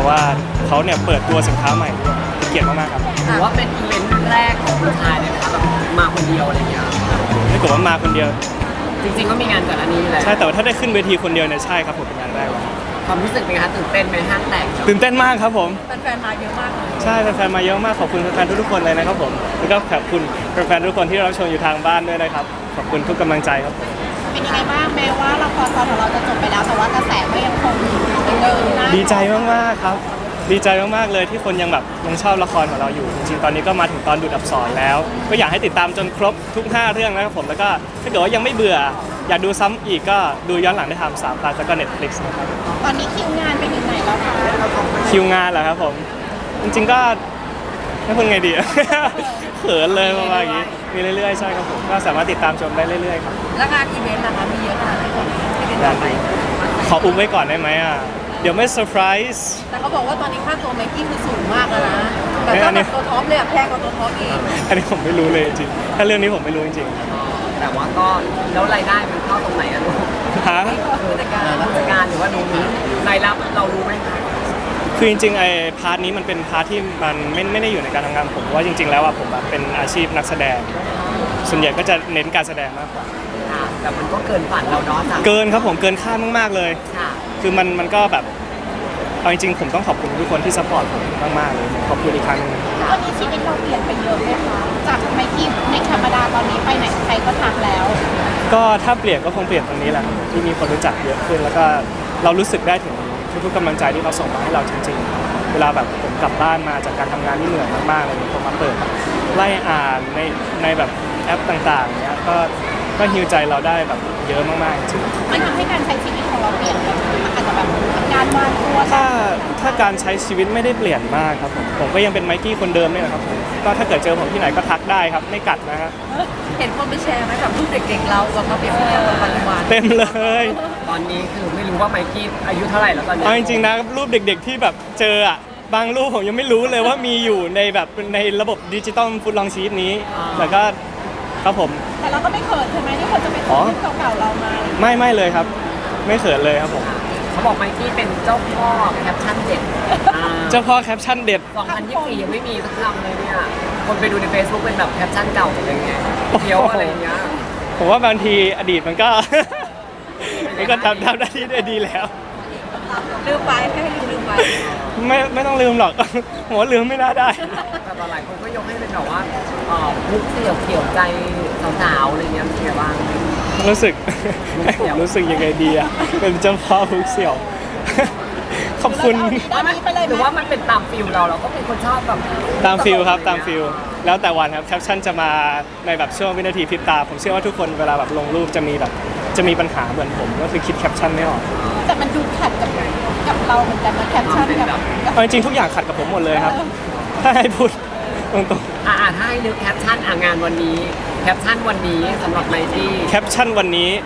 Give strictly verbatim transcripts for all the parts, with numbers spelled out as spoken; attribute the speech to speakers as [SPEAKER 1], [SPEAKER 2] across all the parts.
[SPEAKER 1] ว่าเขาเนี่ยเปิดตัวสินค้าใหม่ด้วยเป็นเกียรติมากๆครับ
[SPEAKER 2] ถือว่าเป็นอีเวนต์แรกของคุณชายเลยนะคะแบบมาคนเดียวอะไรอย่างเงี้ย
[SPEAKER 1] ถ้าเกิดว่ามาคนเดียว
[SPEAKER 2] จริงๆก็มีงานก่อนอันนี้แหละ
[SPEAKER 1] ใช่แต่ว่าถ้าได้ขึ้นเวทีคนเดียวเนี่ยใช่ครับผมเป็นงานแรกเลย
[SPEAKER 2] ความรู้สึกเป็นไงคะตื่นเต้นไหมห้างแตก
[SPEAKER 1] ตื่นเต้นมากครับผม
[SPEAKER 3] แฟนๆมาเยอะมากเลย
[SPEAKER 1] ใช่แฟนๆมาเยอะมากขอบคุณแฟนๆทุกๆคนเลยนะครับผมแล้วก็ขอบคุณแฟนๆทุกคนที่รับชมอยู่ทางบ้านด้วยนะครับขอบคุณทุกกำลังใจครับผม
[SPEAKER 3] เป็นยังไงบ้างแม้ว่าละครตอนของเราจะจบไปแล้วแต่ว่ากระแสก็ยังคงเดินหน้า
[SPEAKER 1] ดีใจมากๆครับดีใจมากๆเลยที่คนยังแบบยังชอบละครของเราอยู่จริงๆตอนนี้ก็มาถึงตอนดูดอับสรแล้ว ก็อยากให้ติดตามจนครบทุกห้าเรื่องนะครับผมแล้วก็ถ้าเกิดว่ายังไม่เบื่ออยากดูซ้ำอีกก็ดูย้อนหลังได้ทางสามพลัสแล้วก็ Netflix นะครับ
[SPEAKER 3] ตอนนี้คิวงานไปถึงไหนแล้วคะ
[SPEAKER 1] คิวงานเหรอครับผมจริงๆก็ไม่พูดไงดี เขินเลยประมาณอย่างนี้มีเรื่อยๆใช่ครับผมก็สามารถติดตามชมได้เรื่อยๆครับ
[SPEAKER 3] แล้วงานอีเวนต์ล่ะคะมีเยอะขนาดไหนที่เป็นต่อไป
[SPEAKER 1] ขออุ้มไว้ก่อนได้ไหมอ่ะเดี๋ยวไม่เซอร์ไพรส์
[SPEAKER 3] แต่เขาบอกว่าตอนนี้ค่าตัวไมค์กี้คือสูงมากแล้วนะแต่
[SPEAKER 1] เอ้ยอั
[SPEAKER 3] ถ้าน
[SPEAKER 1] นี้
[SPEAKER 3] แบบตัวท็อปเลยอะแพงกว่าตัวท็อปอีก
[SPEAKER 1] อันนี้ผมไม่รู้เลยจริงๆถ้าเรื่องนี้ผมไม่รู้จริง
[SPEAKER 2] แต่ว่าก็แล้วรายได้มันเข้าตรงไหนอะลูก
[SPEAKER 1] ๆฮะ
[SPEAKER 3] ผู้จัดการ
[SPEAKER 2] ผู้จัดการหรือว่าดูนี้รายรับเรารู้ไหมคะ
[SPEAKER 1] คือจริงๆไอ้พาร์ทนี้มันเป็นพาร์ทที่มันไม่ไม่ได้อยู่ในการทำงานผมเพราะว่าจริง ๆแล้วอ่ะผมแบบเป็นอาชีพนักแสดง ส่วนใหญ่ก็จะเน้นการแสดงมากกว่า
[SPEAKER 2] ค่ะแต่มันก็เกินฝันเราเนาะจ้ะ
[SPEAKER 1] เกินครับผมเกินคาดมากๆเลย
[SPEAKER 2] ค่ะ
[SPEAKER 1] คือมันมันก็แบบเอาจริงๆผมต้องขอบคุณทุกคนที่ซัพพอร์ตผมมากๆเลยขอบคุณอีกครั้งหนึง
[SPEAKER 3] ตอนนี้ชีวิตเราเปลี่ยนไปเยอะไหมคะจากไมค์กี้ในธรรมดาตอนนี้ไปไหนใครก็ทักแล้ว
[SPEAKER 1] ก็ถ้าเปลี่ยนก็คงเปลี่ยนตรงนี้แหละที่มีคนรู้จักเยอะขึ้น แล้วก็เรารู้สึกได้ถึงทุกๆกำลังใจที่เขาส่งมาให้เราจริงๆ เวลาแบบผมกลับบ้านมาจากการทำงานที่เหนื่อยมากๆอะไรอย่างเงี้ยผมมาเปิดไล่อ่านในในแบบแอปต่างๆเนี้ยก็ก็ฮิวใจเราได้แบบเยอะมากๆจริง
[SPEAKER 3] มันทำให้การใช้ชีวิตของเราเปลี่ยนไปมันอาจจะแบบการวางตัว
[SPEAKER 1] ถ้าถ้าการใช้ชีวิตไม่ได้เปลี่ยนมากครับผมผมก็ยังเป็นไมค์กี้คนเดิมนี่แหละครับผมก็ถ้าเกิดเจอผมที่ไหนก็ทักได้ครับไม่กัดนะฮะ
[SPEAKER 3] เห็นคนไปแชร์ไหมกับรูปเด็กๆเรากับมาเปรียบเทียบกับปัจจุบัน
[SPEAKER 1] เต็มเลย
[SPEAKER 2] ตอนนี้คือไม่รู้ว่าไมค์กี้อายุเท่าไหร่แล้วตอนนี้
[SPEAKER 1] เอาจริงๆนะรูปเด็กๆที่แบบเจออ่ะบางรูปผมยังไม่รู้เลยว่ามีอยู่ในแบบในระบบดิจิตอลฟุตลองชีตนี้แล้วก็ครับผม
[SPEAKER 3] แต่เราก็ไม่เขินใช่ไหมที่คนจะไปถ่ายรูปเก่าๆเรามา
[SPEAKER 1] ไม่ไม่เลยครับ ไม่เขินเลยครับผม
[SPEAKER 2] เขาบอกไมค์กี้เป็นเจ้าพ่อแคปชั่นเด็ดอ่า
[SPEAKER 1] เจ้าพ่อแคปชั่นเด็ด
[SPEAKER 2] สองพันยี่สิบสี่ยังไม่มีสักคำเลยเนี่ย คนไปดูใน Facebook เป็นแบบแคปชั่นเก่าหมดเลยไงเที่ยวอะไรอย่างเงี้ย
[SPEAKER 1] ผมว่าบางทีอดีตมันก็ มันก็ทำทำได้ที่ได้ดีแล้ว
[SPEAKER 3] ลืมไปให้ลืมไป
[SPEAKER 1] ไม่ไม่ต้องลืมหรอก ผมว่าลืมไม่น่าได้
[SPEAKER 2] แต่ตอนหลายคนก็ยกให้เป็นแบบว่าเอ่อมุกเสี่ยวเกี่ยวใจสาวๆอะไรเงี้ยเป็นไงบ้าง
[SPEAKER 1] รู้สึก
[SPEAKER 2] มุกเสี่ยว
[SPEAKER 1] รู้สึกยังไงดีอะเป็นเจ้าพ่อฮุกเสี่ยว ขอบคุณ
[SPEAKER 3] ด้านนี้ไปเลย
[SPEAKER 2] หรือว่ามันเป็นตามฟิลเราเราก็เป็นคนชอบแบบ
[SPEAKER 1] ตามฟิลครับตามฟิลแล้วแต่วันครับแคปชั่นจะมาในแบบช่วงวินาทีพริบตา ผมเชื่อว่าทุกคนเวลาแบบลงรูปจะมีแบบจะมีปัญหาเหมือนผมก็คือคิดแคปชั่นไม่ออก
[SPEAKER 3] แต่มันดูขัดกับกับเราเหมือนกันนะแคปชั่นกับ
[SPEAKER 1] เอาจริงๆทุกอย่างขัดกับผมหมดเลยครับ ถ้าให้พูดตรง
[SPEAKER 2] อ่าถ้าให้นึกแคปชั่นอ่างานวันนี้แคปชั่นวันนี้สำหรับไมค์กี้
[SPEAKER 1] ๆแคปชั่นวันนี้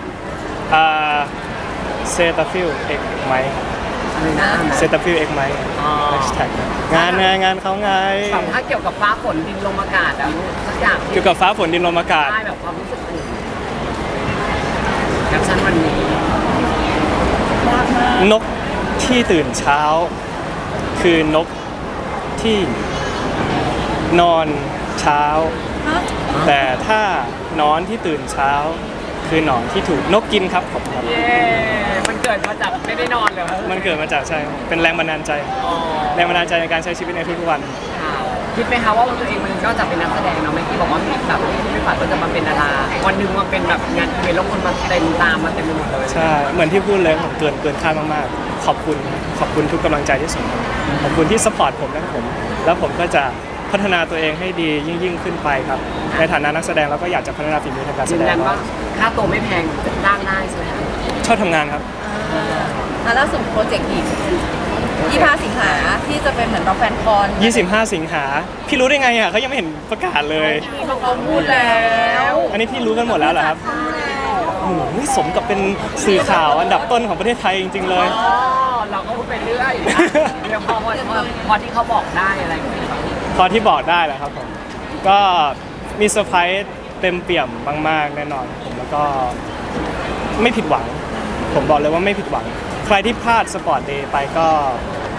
[SPEAKER 1] เซตาฟิลเอ็กไหม
[SPEAKER 2] อะไรนะ
[SPEAKER 1] เซตาฟิลเอ็กไหม
[SPEAKER 2] อ๋อ
[SPEAKER 1] แฮชแท็กงานไงงานเขาไง
[SPEAKER 2] แบบถ้าเกี่ยวกับฟ้าฝนดินลมอากาศอะสักอย่าง
[SPEAKER 1] เกี่ยวกับฟ้าฝนดินลมอากาศ
[SPEAKER 2] ได้แบบความรู้สึกอื่นแคปชั่นวันนี้
[SPEAKER 3] ยากมาก
[SPEAKER 1] นกที่ตื่นเช้า คือนกที่นอนเช้า
[SPEAKER 3] ฮะ
[SPEAKER 1] แต่ถ้านอนที่ตื่นเช้า คือหนอนที่ถูกนกกินครับผมครับ
[SPEAKER 2] เย้มันเกิดมาจากไม่ได้นอนเลย
[SPEAKER 1] มันเกิดมาจากใช่เป็นแรงบันดาลใจ
[SPEAKER 2] อ๋อ
[SPEAKER 1] แรงบันดาลใจในการใช้ชีวิตในทุกๆวัน
[SPEAKER 2] ค่ะคิดไหมคะว่าตัวเองมันนอกจากเป็นนักแสดงเนาะไม่ที่บอกว่ามีแบบที่ไม่ฝันว่าจะมาเป็นดาราวันหนึ่งมาเป็นแบบงานอีเวนต์แล้วคนมาเต็มตามมาเต็มไปหมดเลย
[SPEAKER 1] ใช่ เหมือนที่พูดเลยผมเกินเกินคาดมากๆ ขอบคุณ ขอบคุณทุกกำลังใจที่ส่งมาขอบคุณที่สปอร์ตผมนะครับผม แล้วผมก็จะพัฒนาตัวเองให้ดียิ่งยิ่งขึ้นไปครับ ในฐานะนักแสดงเราก็อยากจะพัฒนาฝีมือทางการแส
[SPEAKER 2] ยืน
[SPEAKER 1] ด
[SPEAKER 2] ยั
[SPEAKER 1] ง
[SPEAKER 2] นว่าค่าตัวไม่แพงจ้างได้ใช่ไหมคะ
[SPEAKER 1] ชอบทำงานครับ
[SPEAKER 3] อ่าล่าสุดโปรเจกต์อีกยี่สิบห้าสิงหาที่จะเป็นเหมือนเราแฟนคอน
[SPEAKER 1] ยี่สิบห้า สิงหา พี่รู้ได้ไงอ่ะเขายังไม่เห็นประกาศเลย
[SPEAKER 3] เขาพูดแล้ว
[SPEAKER 1] อันนี้พี่รู้กันหมดแล้วเหรอครับโอ้โหสมกับเป็นสื่อข่าวอันดับต้นของประเทศไทยจริงๆเลย
[SPEAKER 2] อ๋อเราก็พูดไปเรื่อยอ่ะเดี๋ยวพอพอพอที่เขาบอกได้อะไรอย่างเงี้ย
[SPEAKER 1] พอที่บอกได้แหละครับผม ก็มีเซอร์ไพรส์เต็มเปี่ยมมากๆแน่นอนผมแล้วก็ไม่ผิดหวัง ผมบอกเลยว่าไม่ผิดหวัง ใครที่พลาดสปอร์ตเดย์ไปก็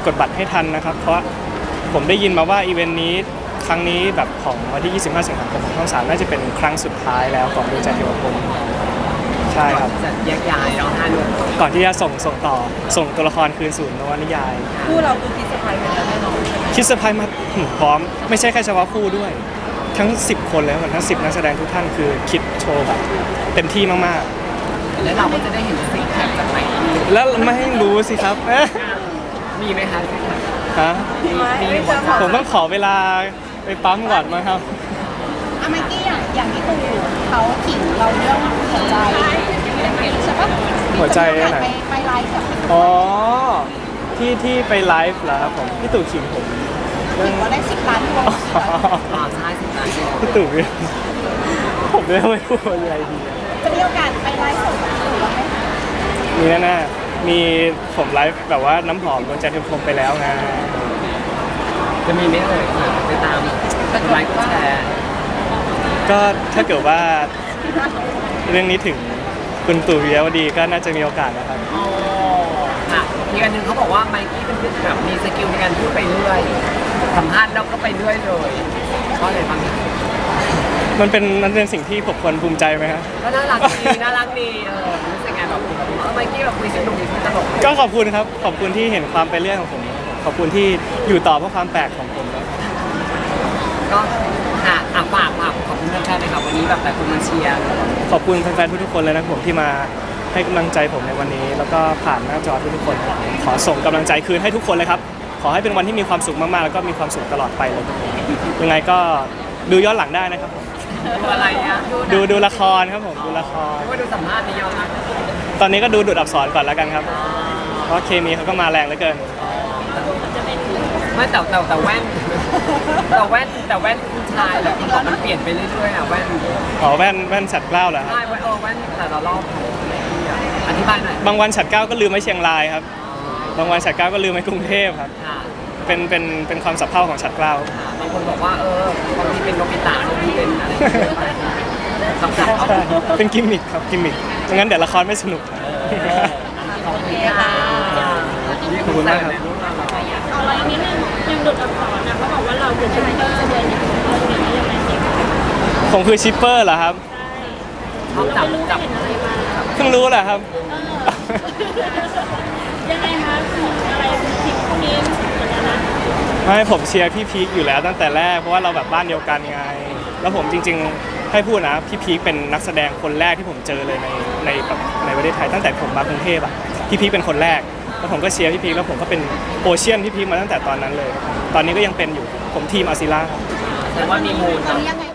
[SPEAKER 1] กดบัตรให้ทันนะครับ เพราะผมได้ยินมาว่าอีเวนต์นี้ครั้งนี้แบบของวันที่ ยี่สิบห้า สิงหาคมของช่องสามน่าจะเป็นครั้งสุดท้ายแล้วของดวงใจเทวพรหมใช่ครับ
[SPEAKER 2] จะแยกย้ายเนาะห้าหนุ่ม
[SPEAKER 1] ก่อนที่จะส่งส่งต่อส่งตัวละครคืนสู่นวนิยาย
[SPEAKER 3] คู่เราคือคิดสบายไปแล้วแน่นอนใช่ไหม
[SPEAKER 1] คิดเซอร์ไพรส์มาถึงพร้อมไม่ใช่แค่เฉพาะคู่ด้วย ทั้ง สิบ คนเลยครับทั้ง สิบ นักแสดงทุกท่านคือคิดโชว์แบบเต็มที่มาก
[SPEAKER 2] แล้วเราก็จะได้เห็นสิ่งแคปจากไหน
[SPEAKER 1] ๆ แล้วไม่ให้รู้สิครับ เอ๊ะ
[SPEAKER 2] มีไหมคะซิกแพค
[SPEAKER 1] ฮะ
[SPEAKER 3] ไม่ไม่เจอ
[SPEAKER 1] ผมต้องขอเวลาไปปั๊มก่อนมั้งครับ
[SPEAKER 4] อะเมื่อกี้อย่างอย่างที่ตูเขาขิงเราเรื่องหัวใจใช่ปะ
[SPEAKER 1] หัวใจ
[SPEAKER 4] มี
[SPEAKER 1] ไหน
[SPEAKER 4] ไปไปไลฟ์กับ
[SPEAKER 1] อ๋อที่ที่ไปไลฟ์เหรอครับผมพี่ตู่ขิงผมเรื่อ
[SPEAKER 4] ขิ
[SPEAKER 1] ง
[SPEAKER 4] งว่าได้สิบล้านดวง
[SPEAKER 2] อ๋อใช่สิบล้านดวง
[SPEAKER 1] พี่ตู่เนี่ยผมไม่รู้ไม่พูดอะไรดีอะ
[SPEAKER 4] จะมีโอกาสไปไลฟ์สดกับตูบ้างไหมคะ
[SPEAKER 1] มีแน่ๆมีผมไลฟ์แบบว่าน้ำหอมดวงใจเทวพรหมไปแล้วไง
[SPEAKER 2] จะมีไหมเอ่ยไปตามกดไลค์กดแชร์
[SPEAKER 1] ก็ถ้าเกิดว่าเรื่องนี้ถึงคุณตู่วิยวดีก็น่าจะมีโอกาสนะครับ
[SPEAKER 2] อ๋อค่ะอีกอันหนึ่งเขาบอกว่าไมกี้เป็นแบบมีสกิลในการพูดไปเรื่อยสัมภาษณ์แล้วก็ไปเรื่อยเลยเพราะอะไรบ้างคะ
[SPEAKER 1] มันเป็นมันเป็นสิ่งที่ผมควรภูมิใจไหมครับ
[SPEAKER 2] ก็น่ารักดีน่ารักดีเออรู้สึกไงแบบเออไมกี้แบบคุยสนุกคุยตลก
[SPEAKER 1] ก็ขอบคุณครับขอบคุณที่เห็นความเป็นเรื่องของผม ขอบคุณที่อยู่ต่อเพราะความแปลกของผมนะ
[SPEAKER 2] ก็ค่ะอ่ะฝากฝากขอบคุณแฟนๆเลยค่ะวันนี้แบบแต่คุณมาเชียร์
[SPEAKER 1] ขอบคุณแฟนๆทุกๆคนเลยนะผมที่มาให้กำลังใจผมในวันนี้ แล้วก็ผ่านหน้าจอทุกๆคน ขอส่งกำลังใจคืนให้ทุกคนเลยครับ ขอให้เป็นวันที่มีความสุขมากๆ แล้วก็มีความสุขตลอดไปเลยยังไงก็ดูย้อนหลังได้นะครับผม
[SPEAKER 2] ดูอะไรอ่ะ
[SPEAKER 1] ดูดูละครครับผมดูละคร
[SPEAKER 2] ไม่ว่าดูสัมภาษณ์นี่ย้อนหลัง
[SPEAKER 1] ตอนนี้ก็ดูดูดอักษรก่อนแล้วกันครับ เพราะเคมีเขาก็มาแรงเหลือเกิน
[SPEAKER 2] ไม่แต่แต่แต่แว่นแต่แว่นแต่แว่นผู้ชายแบบมันเปลี่ยนไปเรื่อยๆอ่ะแว่น
[SPEAKER 1] อ๋อแว่นแว่นฉัดเกล้าเหรอครับ
[SPEAKER 2] ใช่แว่นเออแว่นแต่ละรอบอธิบายหน่อย
[SPEAKER 1] บางวันฉัดเกล้าก็ลืมไว้เชียงรายครับ บางวันฉัดเกล้าก็ลืมไว้กรุงเทพครับ
[SPEAKER 2] ค่ะ
[SPEAKER 1] เป็นเป็นเป็นความสับเพร่าของฉัดเกล้า
[SPEAKER 2] ค่ะบางคนบอกว่าเออบางทีเป็นโนบิตะบางทีเป็นอะไรคำศัพท์เขา
[SPEAKER 1] เป็นกิมมิคครับกิมมิคไม่งั้นเดี๋ยวละครไม่สนุกครับ
[SPEAKER 2] ขอบคุณค่ะ
[SPEAKER 1] ขอบคุณมากครับ
[SPEAKER 5] เอาอะไรนิดนึงยังดุดอักษรนะเขาบอกว่าเราคือชิปเปอร์จะเดินอย่างเรื่องนี้ยังไงดี
[SPEAKER 1] ผมคือชิปเปอร์เหรอครับ
[SPEAKER 2] เขา
[SPEAKER 5] เรา
[SPEAKER 2] จับ
[SPEAKER 5] ไม่รู้
[SPEAKER 2] จับ
[SPEAKER 5] เห็นอะไรมา
[SPEAKER 1] เพิ่งรู้แหละครับ
[SPEAKER 5] ยังไงคะอะไรทิปพวกนี้เหมือนกันนะ
[SPEAKER 1] ไม่ผมเชียร์พี่พีคอยู่แล้วตั้งแต่แรกเพราะว่าเราแบบบ้านเดียวกันไง แล้วผมจริงๆให้พูดนะพี่พีคเป็นนักแสดงคนแรกที่ผมเจอเลยในในแบบในประเทศไทยตั้งแต่ผมมากรุงเทพอ่ะพี่พีคเป็นคนแรกแล้วผมก็เชียร์พี่พีคแล้วผมก็เป็นโอเชียนพี่พีคมาตั้งแต่ตอนนั้นเลย ตอนนี้ก็ยังเป็นอยู่ผมทีมอาซิล่าครับ
[SPEAKER 2] แต่ว่ามีมูล
[SPEAKER 4] ตอน
[SPEAKER 2] นะ
[SPEAKER 4] นี้ยังไง